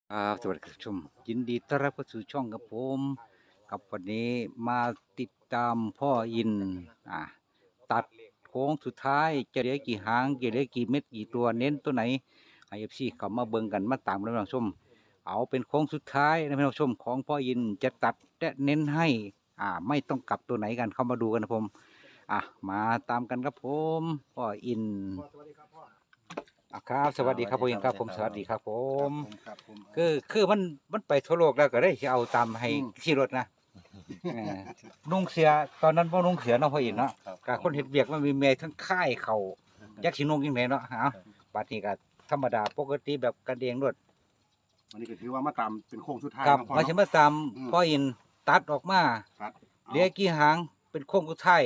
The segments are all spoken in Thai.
สวัสดีคุณผู้ชมยินดีต้อนรับเข้าสู่ช่องกับผมกับวันนี้มาติดตามพ่ออินอ่าตัดโค้งสุดท้ายจะเหลือกี่หางจะเหลือกี่เม็ดกี่ตัวเน้นตัวไหนไอเอฟซีเขามาเบิ่งกันมาตามกันนะผู้ชมเอาเป็นโค้งสุดท้ายนะผู้ชมของพ่ออินจะตัดและเน้นให้ไม่ต้องกลับตัวไหนกันเข้ามาดูกันนะผมมาตามกันครับผมพ่ออินครับสวัสดีครับพ่ออินครับผมสวัสดีครับผมคือมันไปทั่วโลกแล้วก็ได้เอาตามให้ขี่รถนะนุ่งเสียตอนนั้นพ่นุ่งเสียเนาะพ่ออินเนาะกับคนเห็ดเบียกมันมีเมย์ทั้งค่ายเขายักษ์ชินุ่งยังไงเนาะบัดนี้ก็ธรรมดาปกติแบบกระเดียงรถวันนี้ก็ถือว่ามาตามเป็นโค้งสุดท้ายครับมาชิมาตามพ่ออินตัดออกมาเหลือกี่หางเป็นโค้งสุดท้าย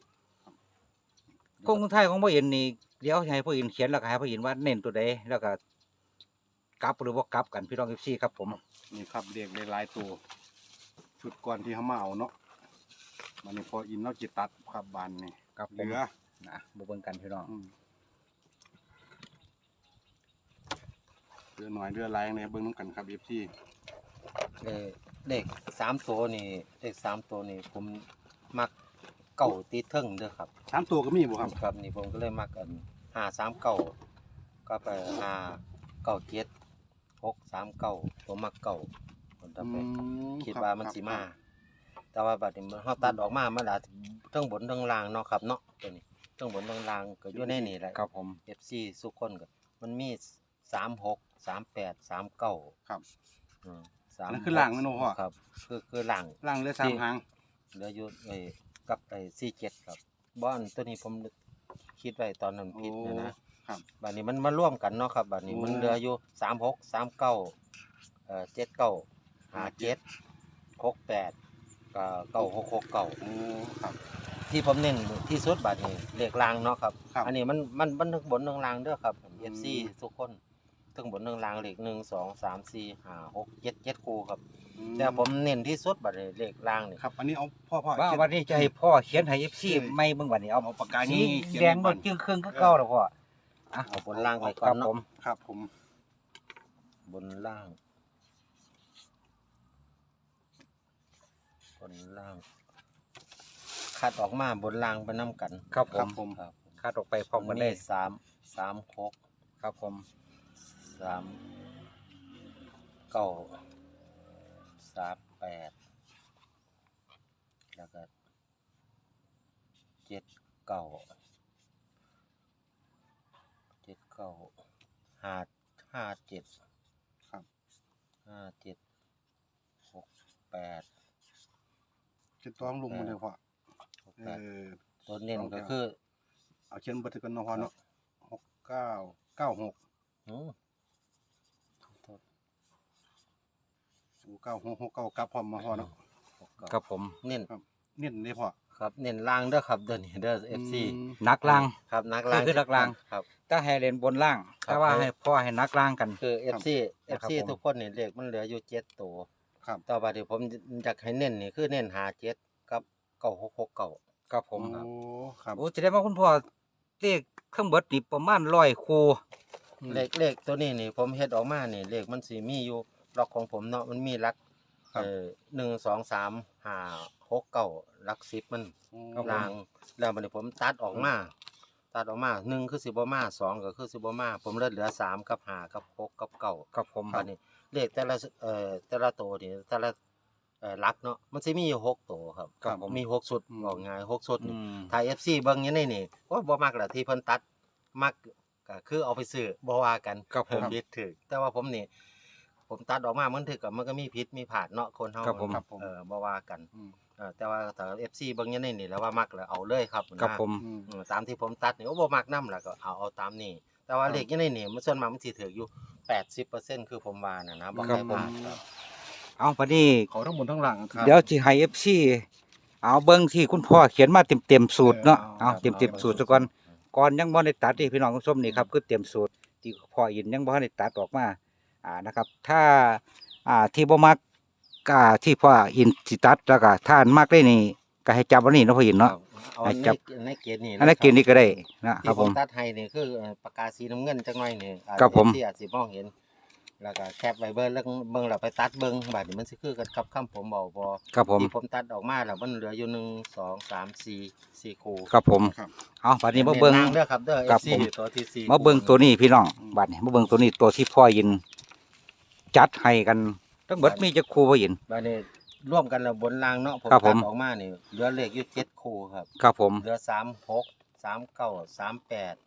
โค้งสุดท้ายของพ่ออินนี่เดี๋ยวให้พ่ออินเขียนแล้วก็ให้พ่ออินว่าเน้นตัวใดแล้วก็กลับหรือว่ากลับกันพี่น้องเอฟซีครับผมนี่ครับเรียกหลายตัวชุดก่อนที่เขามาเอาเนาะมันนี่พออินเราจิตตัดครับบานนี่กับเหลือบุเบิ่งกันพี่น้องเรือหน่อยเรือลายเนี่ยเบิ่งน้ำกันครับเอฟซีเด็ก3 ตัวนี่เด็ก3 ตัวนี่ผมมักเก่าตีเทิงเด้อครับ 3 ตัวก็มีบ่ครับครับนี่ผมก็เลยมักกัน539ก็ไป597 639ผมมักเก่าผมทำไปคิดว่ามันสิมาแต่ว่าบัดนี้เฮาตัดออกมามันอาจเทิงบนเทิงล่างเนาะครับเนาะตัวนี้เทิงบนเทิงล่างก็อยู่ในนี่แหละครับผม FC ทุกคนก็มันมี36 38 39 ครับนั่นคือล่างมันโอ้พ่อครับคือล่างเหลือ3 หางเหลืออยู่กับ47ครับบ้านตัวนี้ผมคิดไว้ตอนนั้นผิดนะครับบัดนี้มันมาร่วมกันเนาะครับบัดนี้มันเหลืออยู่36 3979 57 68ก็9669 ครับที่ผมเน้นที่สุดบัดนี้เลขรางเนาะครับอันนี้มันทั้งบนทั้งล่างเด้อครับ FC ทุกคนทั้งบนทั้งล่างเลข1 2 3 4 5 6 7คู่ครับแต่ผมเน้นที่สุดบัดนี้เลขรางนี่ครับอันนี้เอาพ่อว่าวันนี้จะให้พ่อเขียนให้ FC ไม่เบิ่งวันนี้เอาปากกานี้แดงบนจึงเครื่องก็เก่าแล้วพ่อเอาบนล่างไปก่อนเนาะครับผมบนล่างคัดออกมาบนล่างไปน้ำกันครับผมคัดออกไปพร้อมกันได้ 36 ครับผม 39 38แล้วก็79 57 ครับ 57 68 จะต้องลงมาเลยพ่อตัวเน้นก็คือเอาเขียนบันทึกกันเนาะพ่อเนาะ69969669กับพร้อมมาพ่อเนาะครับผมเน้นนี่พ่อครับเน้นล่างเด้อครับเด้อนี่เด้อ FC นักล่างครับนักล่างคือนักล่างครับถ้าให้เล่นบนล่างถ้าว่าให้พ่อให้นักล่างกันคือ FC ทุกคนนี่เลขมันเหลืออยู่7ตัวครับต่อไปที่ผมอยากให้เน้นนี่คือเน้น57กับ9669 ครับผมครับโอ้จะได้มาคุณพ่อเลขเครื่องเบิดนี่ประมาณ100คู่เลขตัวนี้นี่ผมเฮ็ดออกมานี่เลขมันสิมีอยู่ล็อกของผมเนาะมันมีหลัก1 2 3 5 6 9หลัก10มันรางแล้วบัดนี้ผมตัดออกมา1คือสิบ่มา2ก็คือสิบ่มาผมเหลือ3กับ5กับ6กับ9 ครับผมบัดนี้เลขแต่ละตัวนี่แต่ละหลักเนาะมันสิมีอยู่6ตัวครับมี6ชุดบอกง่าย6ชุดนี่ถ้า FC เบิ่งอยู่ในนี่ว่าบ่มักล่ะที่เพิ่นตัดมักก็คือเอาไปซื้อบ่ว่ากันผิดถูกแต่ว่าผมนี่ผมตัดออกมามันถึกกับมันก็มีผิดมีพลาดเนาะคนเฮาบ่ว่ากันแต่ว่าถ้า FC เบิ่งอยู่ในนี่แล้วว่ามักแล้วเอาเลยครับผมตามที่ผมตัดนี่บ่มักนำล่ะก็เอาตามนี้แต่ว่าเลขอยู่ในนี่มันส่วนมากมันสิถูกอยู่ 80% คือผมว่านะบ่ให้พลาดครับเอาพอดีเขาทั้งบนทั้งล่างครับเดี๋ยวสิให้ FC เอาเบิ่งที่คุณพ่อเขียนมาเต็มสูตรเนาะเอาเต็มสูตรซะก่อนยังบ่ได้ตัดพี่น้องผู้ชมนี่ครับคือเต็มสูตรที่พ่ออินยังบ่ได้ตัดออกมานะครับถ้าที่บ่มักที่พ่ออินสิตัดแล้วก็ถ้ามักได้นี่ก็ให้จับวันนี้เนาะพ่ออินเนาะให้จับในเกณฑ์นี่ในเกณฑ์นี้ก็ได้นะครับผมตัดให้นี่คือปากกาสีน้ำเงินจังหน่อยนี่ครับผมที่อาจสิมองเห็นแล้วก็แคปไว้เบิ่งแล้วเบิ่งแล้วไปตัดเบิ่งบัดนี้มันสิคือกันกับคำผมเว้าบ่ครับผมที่ผมตัดออกมาแล้วมันเหลืออยู่1 2 3 4คู่ครับผมครับเอาบัดนี้มาเบิ่งน้นเด้อครับเด้อครับ FC ผมตัวที่4 มาเบิ่งตัวนี้พี่น้องบัดนี้มาเบิ่งตัวนี้ตัวที่พ่อยิน จัดให้กันทั้งเบิดมีจักคู่พ่อยินบัดนี้ร่วมกันแล้วบนล่างเนาะผมครับผตัมดออกมานี่เหลือเลขอยู่7คู่ครับครับผมเหลือ36 39 38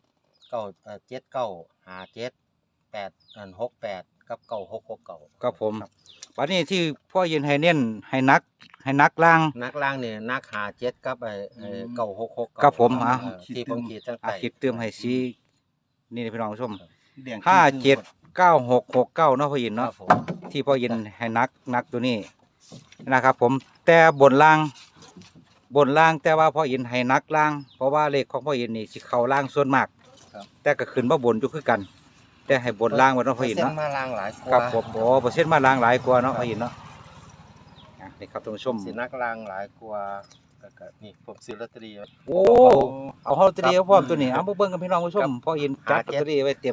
79 57 68กับ9669 ครับผมบัดนี้ที่พ่อยินให้เน้นให้นักล่างนักล่างนี่นัก57กับ9669 ครับผมอ่ะที่ผมขีดตั้งอ่ะแต่คิดเติมให้สีนี่พี่น้องผู้ชมแดง 579669เนาะพ่อยินครัเนาะบผมที่พ่อยินให้นักตัวนี้นะครับ ผมแต่บนล่างแต่ว่าพ่อยินให้นักล่าง เพราะว่าเลขของพ่อยินนี่สิเข้าล่างส่วนมากครับแต่ก็ขึ้นมาบนอยู่คือกัน แต่ให้บนล่างไว้เนาะพ่อยินเส้เนาะนมาล่างหลายกว่าครับผมโอ้เปอร์เซ็นต์มาล่างหลายกว่าเนาะพ่อยินเนาะอ่ะนี่ครับท่านผู้ชมสินักล่างหลายกว่าแล้วก็นี่ผมซื้อลอตเตอรี่ไว้โอ้เอาลอตเตอรี่เอาพร้อมตัวนี้เอามาเบิ่งกันพี่น้องผู้ชมพ่อยินจัดลอตเตอรี่ไว้เต็ม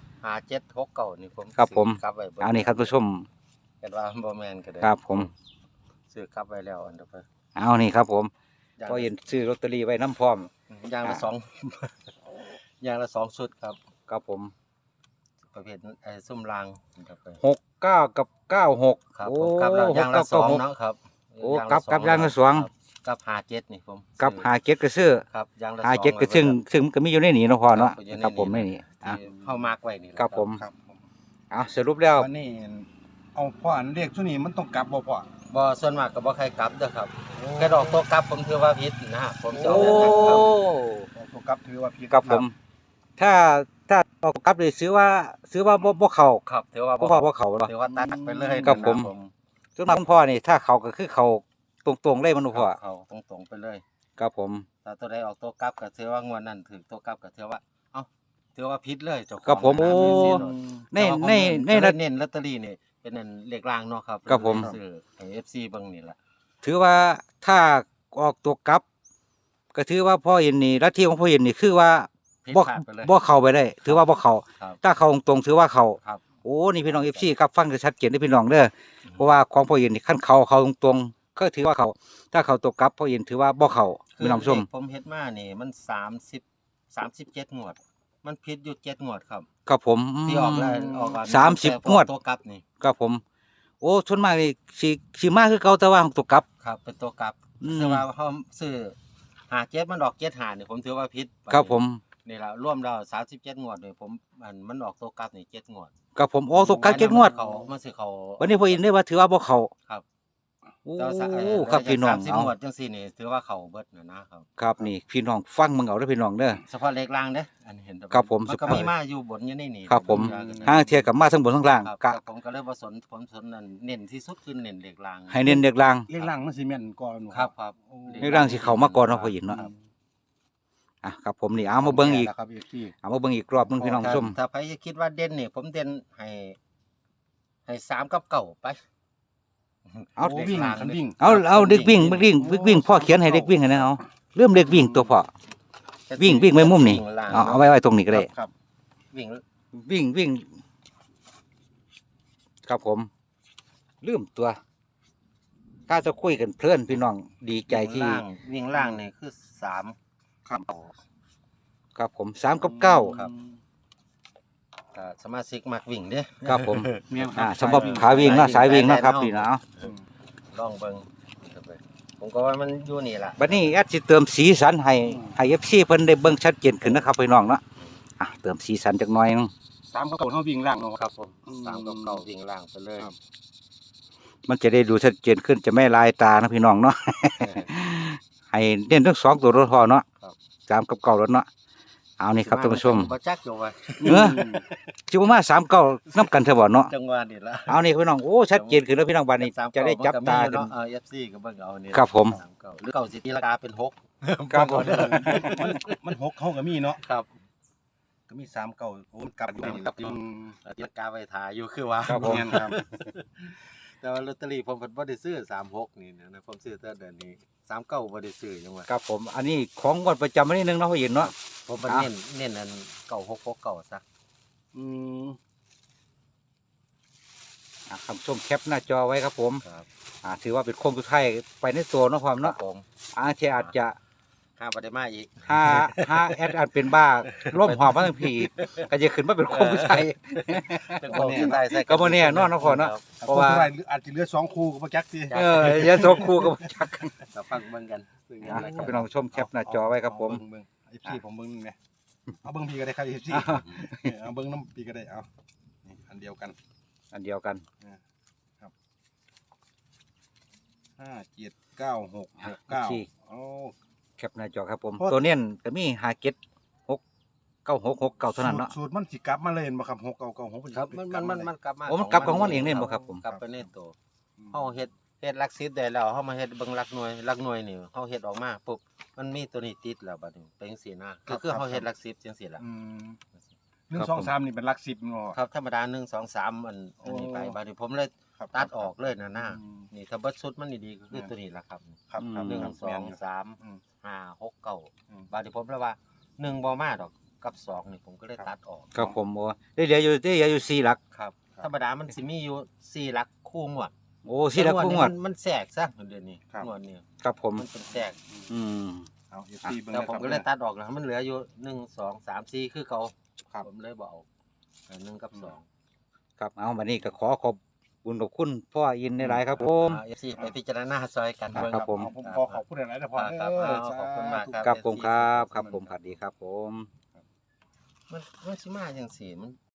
5769นี่ผมครับผมซื้อกลับไว้เบิ่งเอานี่ครับท่านผู้ชมเห็นว่าบ่แม่นก็ได้ครับผมซื้อกลับไว้แล้วอันเดียวไปเอานี่ครับผมอย่างพ่อยินซื้อลอตเตอรี่ไว้น้ำพร้อมอย่างละอ่าสอง อย่างละ2ชุดครับครับผมประเภทซุ่มรางอันเดียวไป 69กับ96 ครับโอ้ผมกลับแล้วอย่างละ 69 2เนาะครับโอ้กลับอย่างละสองครับกับ57นี่ผมกับซื้อหาเก็ดก็ซื้อครับอย่างละหาเก็ดก็ซึ่งมันก็มีอยู่ในนี้เนาะพ่อเนาะอยู่ครับผมในนี้อ่ะที่เฮามาร์กไว้นี่แหละครับผมครับผมเอาสรุปแล้ววันนี้เอาพ่ออันเลขชุดนี้มันต้องกลับบ่พ่อบ่ส่วนมากก็บ่ใครกลับเด้อครับกระดอกตัวกลับผมถือว่าผิดนะผมสิโอ้เอาแบบนั้นครับตัวกลับถือว่าผิดครับผม ถ้าเอากลับเลยซื้อว่าบ่เข้าครับถือว่าบ่เข้าบ่เข้าเนาะถือว่าตัดไปเลยครับผมนะส่วนมากคุณพ่อนี่ถ้าเข้าก็คือเข้าตรงๆเลยมันบ่พ่อเขาตรงๆไปเลยครับผมถ้าตัวใดออกตัวกลับก็ถือว่างวดนั้นถือตัวกลับก็ถือว่าเอ้าถือว่าผิดเลยเจ้าของครับผมนะโอ้สิเนาะในแต่ว่าผมในก็ระเลยเน้นลอตเตอรี่นี่เป็นนั่นเลขรางเนาะครับครับผมซื้อให้ FC เบิ่งนี่ล่ะถือว่าถ้าออกตัวกลับ ก็ถือว่าพ่อเห็นนี่ลัทธิของพ่อเห็นนี่คือว่าผิดบ่พลาดไปเลยบ่เข้าไปได้ ถือว่าบ่เข้าครับถ้าเข้าตรงๆถือว่าเข้าครับโอ้นี่พี่น้อง FC ครับฟังกันชัดเจนเด้อพี่น้องเด้อเพราะว่าของพ่อเห็นนี่คันเข้าตรงๆก็ถือว่าเข้าถ้าเข้าตัวกลับพ่อเห็นถือว่าบ่เข้าพี่น้องผู้ชมเลขผมเฮ็ดมานี่มัน37งวด มันผิดอยู่7งวดครับครับผมที่ออกแล้วออกก่อน 30งวดตัวกลับนี่ครับผม โอ้ส่วนมากนี่สิมาคือเก่าแต่ว่าของตัวกลับครับเป็นตัวกลับอืมแต่ว่าเขาซื้อ57มันออก75นี่ผมถือว่าผิดครับผมนี่ล่ะรวมแล้ว37งวดนี่ผมมันออกตัวกลับนี่7งวดครับผมโอ้ตัวกลับเจ็ดงวดเขามันสิเขาวันนี้พ่อเห็นได้ว่าถือว่าบ่เข้าครับโอ้แต่ว่าครับพี่น้อง 30 เอางวดจังซี่นี่ถือว่าเขาเบิดนะครับครับนี่พี่น้องฟังมึงเอาเด้อพี่น้องเด้อเฉพาะเลขล่างเด้ออันนี้เห็นแต่ครับผมมันก็มีมาอยู่บนอยู่ในนี่ครับผมเดี๋ยวห้างเทียกับมาทั้งบนทั้งล่างครับกะผมก็เลยบ่สนผมสนนั่นเน้นที่สุดคือเน้นเลขล่างให้เน้นเด็กล่างเลขล่างมันสิแม่นก่อนครับครับโอ้เลขล่างสิเข้ามาก่อนเนาะพ่อหญิงเนาะ อ่ะครับผมนี่เอามาเบิ่งอีกแล้วครับอีกที่เอามาเบิ่งอีกรอบหนึงพี่น้องผู้ชมถ้าใครคิดว่าเด่นนี่ผมเด่นให้3กับ9ไปเอาโวิ่งคันวิ่งเอาเด็กวิ่งพ่อเขียนให้เด็กวิ่งให้นะเอาเริ่มเด็กวิ่งตัวพ่อวิ่งไว้มุมนี่วิ่งล่างเอาไว้ตรงนี้ก็ได้ครับวิ่งวิ่งครับผมลืมตัวถ้าจะคุยกันเพลินพี่น้องดีใจที่วิ่งล่างนี่คือ3 ครับครับผม3กับ9 ครับ สมาชิกมักวิ่งเด้อครับผมแม่นครับสำหรับขาวิ่งเนาะสายวิ่งเนาะครับนี่นะเอาลองเบิ่งผมก็ว่ามันอยู่นี่ล่ะบัดนี้แอดสิเติมสีสันให้ FC เพิ่นได้เบิ่งชัดเจนขึ้นนะครับพี่น้องเนาะอ่ะเติมสีสันจักหน่อยนึง 3กับ9เฮาวิ่งล่างเนาะครับผม3กับ9วิ่งล่างไปเลยครับมันจะได้ดูชัดเจนขึ้นจะไม่ลายตานะพี่น้องเนาะ ให้เน้นทั้งสองตัวรถพอเนาะครับ 3กับ9รถเนาะเอานี่ครับท่านผู้ชมบ่จักอยู่ว่าเออ สิบ่มา3 9นำกันเถอะบ่เนาะจังหวะนี่ล่ะเอานี่พี่น้องโอ้ชัดเจนขึ้นแล้วพี่น้องบัดนี้จะได้จับตากักันนFC ก็เบิ่งเอานี่ครับผมหรือ9สิตีราคาเป็น6 ครับผมมัน6เฮาก็มีเนาะครับก็มี3 9โอ้มันกลับอยู่นี่กลับอยู่ ตีราคาไว้ถ่ายอยู่คือว่าครับผมแม่นครับแต่ว่าลอตเตอรี่ผมเพิ่นบ่ได้ซื้อ36นี่นะผมซื้อแต่เดือนนี้39บ่ได้ซื้อจังว่าครับผมอันนี้ของงวดประจำวันที่1เนาะพี่เนาะผมมันอ่ะเน้นอัน9669ซะอืมคำชมแคปหน้าจอไว้ครับผมครับถือว่าเป็นโค้งสุดท้ายไปในตัวเนาะความครัเนาะบผมที่อาจจะห้าปฏิมาอีกถ้าแอดอาจเป็นบ้าร่วมหอบมาทั้งผีก็จะขึ้นมาเป็นโค้งสุดท้ายเป็นคนที่ได้ใส่ก็บ่แน่นอนเนาะพ่อเนาะ เพราะว่าคนอาจจะเหลือ2คู่ก็บ่จักสิอย่าโซคู่กับจักกันกับฟังเบิ่งกันซึ่งอะไรกันพี่น้องชมแคปหน้าจอไว้ครับผมเบิ่ง FC ผมเบิ่งนี่แหมเอาเบิ่งพี่ก็ได้ครับ FC เอาเบิ่งน้ำพี่ก็ได้เอานี่อันเดียวกันอันเดียวกัน 579669โอ้แคปหน้าจอครับผมโอ้ตัวเน้นก็มี5769669เท่านั้นเนาะสูตรมันสิกลับมาเลยเห็นบ่ครับ6996 ครับมันกลับมาโอ้มันกลับของมันเองเล่นบ่ครับผมกลับไปในตัวเฮาเฮ็ดหลัก10ได้แล้วเฮามาเฮ็ดเบิ่งหลักหน่วยนี่เฮาเฮ็ดออกมาปุ๊บมันมีตัวนี้ติดแล้วบัดนี้เป็นจังซี่นะคือเฮาเฮ็ดหลัก10จังซี่ล่ะ 1 2 3นี่เป็นหลัก10เนาะครับธรรมดา1 2 3อันนี้ไปบัดนี้ผมเลยครับตัดออกเลยนะหน้าอืมนี่ถ้าเบิดชุดมันดีๆก็คือตัวนี้ล่ะครับครับครับอืมครับ 1 2 3 อืม 5 6 9 อืมบาดนี้ผมเลยว่า1บ่มาดอกกับ2นี่ผมก็เลยตัดออกครับผมโอ้ได้เหลืออยู่4หลักครับธรรมดามันสิมีอยู่4หลักคู่งวดโอ้4หลักคู่งวดมันแทรกซะเดี๋ยวนี้ครับงวดนี้ครับผมมันเป็นแทรกอืมเอา FC เบิ่งแล้วนะผมครับก็เลยตัดออกแล้วมันเหลืออยู่1 2 3 4คือเขาครับผมเลยบ่เอา1กับ2 ครับเอาวันนี้ก็ขอขอบคุณพ่ออินในหลายๆครับผม FC ไปพิจารณาซอยกันครับผมผมขอขอบคุณหลายๆนะพ่อครับเด้ขอบคุณมากครับครับผมครับครับผมสวัสดีครับผมมันสิมาจังซี่มัน